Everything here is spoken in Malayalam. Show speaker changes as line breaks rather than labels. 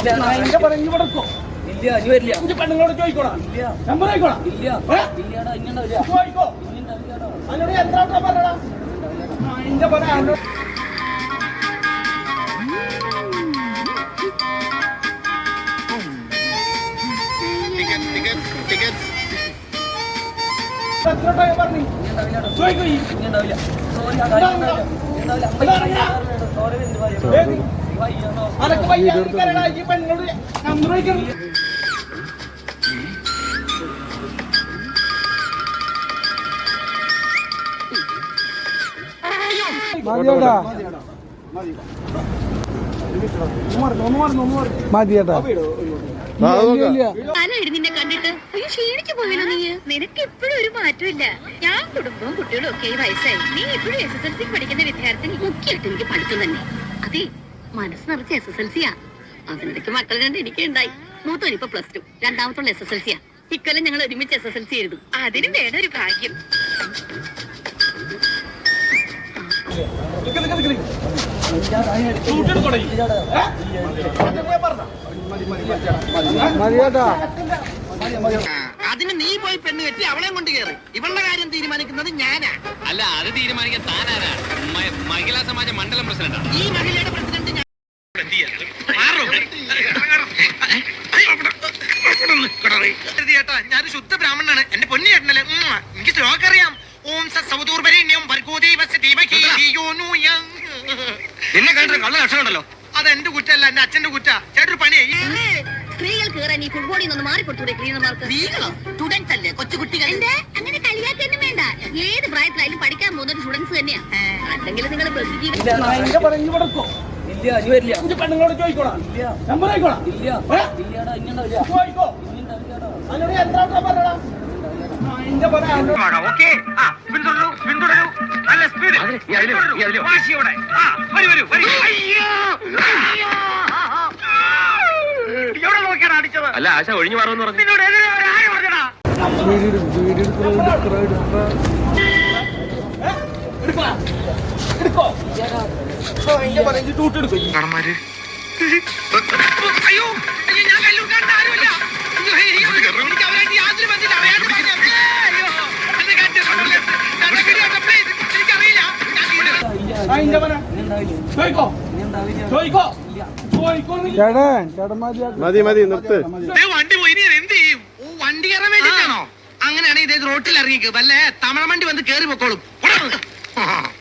പറഞ്ഞു കൊടുക്കോ ഇല്ല അനി വരില്ല പെണ്ണുങ്ങളോട് ചോദിക്കോളാം ഇല്ല നമ്പർ ആയിക്കോളാം ഇല്ല ഇല്ലടാ ഇന്നുണ്ടാവില്ല ചോദിക്കോ അതിനോട് എത്ര പറഞ്ഞടാ അതിന്റെ പറയാ എത്ര ടൈം പറഞ്ഞു ചോദിക്കോ ഇന്നുണ്ടാവില്ല അതൊക്കെ വയ്യാ ഈ പെണ്ണോട് നമ്പർ വയ്ക്കണം മതിയേട്ടാ
നിന്നെ കണ്ടിട്ട് ക്ഷീണിച്ചു പോയില്ലോ നീ. നിനക്ക് ഇപ്പോഴും ഒരു മാറ്റമില്ല. ഞാൻ കുടുംബവും കുട്ടികളും ഒക്കെ വയസ്സായി. നീ ഇപ്പോഴും SSLC പഠിക്കുന്ന വിദ്യാർത്ഥി. മുഖ്യമായിട്ട് എനിക്ക് പഠിത്തം തന്നെ. അതെ, മനസ്സ് നിറച്ച് SSLC-യാ. അതിനിടയ്ക്ക് മക്കൾ രണ്ട് എനിക്ക് ഉണ്ടായി. മൂത്തോനിപ്പോ +2, രണ്ടാമത്തുള്ള SSLC-യാ. ഇക്കൊല്ലം ഞങ്ങൾ ഒരുമിച്ച് SSLC എഴുതും. അതിനും വേണം ഒരു ഭാഗ്യം.
അതിന് നീ പോയി പെണ്ണ് കെട്ടി അവളെ കൊണ്ട് കയറി. ഇവളുടെ കാര്യം തീരുമാനിക്കുന്നത് ഞാനാ.
അല്ല, അത് തീരുമാനിക്കാൻ താനാരാ? മഹിളാ സമാജ മണ്ഡലം പ്രസിഡന്റാണ്.
ഈ മഹിളയുടെ പ്രസിഡന്റ് ഞാൻ. ഞാനൊരു ശുദ്ധ ബ്രാഹ്മണനാണ്. എന്റെ പൊന്നു ചേട്ടനല്ലേ. എനിക്ക് ശ്ലോകം അറിയാം.
നിന്നെ കണ്ടിട്ട് കള്ള ലക്ഷണമുണ്ടല്ലോ.
അതെന്റെ കുറ്റല്ല, എന്റെ അച്ഛന്റെ കുറ്റ. ചേട്ടൊരു പണിയായി.
സ്ത്രീകൾ കയറാൻ ഈ ഫുട്ബോളിൽ നിന്ന് മാറിക്കൊടുത്തൂടെ ക്ലീനർമാർക്ക്?
സ്ത്രീകളോ? സ്റ്റുഡൻസ് അല്ലേ, കൊച്ചുകുട്ടികൾ.
അങ്ങനെ കളിയാക്കൊന്നും വേണ്ട. ഏത് പ്രായത്തിലായാലും പഠിക്കാൻ പോകുന്ന സ്റ്റുഡൻസ് തന്നെയാ. അല്ലെങ്കിൽ നിങ്ങൾ
പറഞ്ഞു കൊടുക്കോ ഇല്ല അനി വരില്ല പെണ്ണുങ്ങളോട് ചോദിക്കോളാം ഇല്ല നമ്പർ ആയിക്കോളാം ഇല്ല ഇല്ലടാ ഇന്നുണ്ടാവില്ല ചോദിക്കോ അതിനോട് എത്ര പറഞ്ഞടാ അതിന്റെ പറയാ
അല്ല, ആശ ഒഴിഞ്ഞു മാറുമെന്ന് പറഞ്ഞു.
മതി മതി നിർത്ത്.
വണ്ടി പോയി എന്ത് ചെയ്യും? വണ്ടി കയറാൻ വേണ്ടിട്ടാണോ? അങ്ങനെയാണെങ്കിൽ റോട്ടിൽ ഇറങ്ങിക്ക്. വല്ല തമിഴ് വണ്ടി വന്ന് കേറി പൊക്കോളും.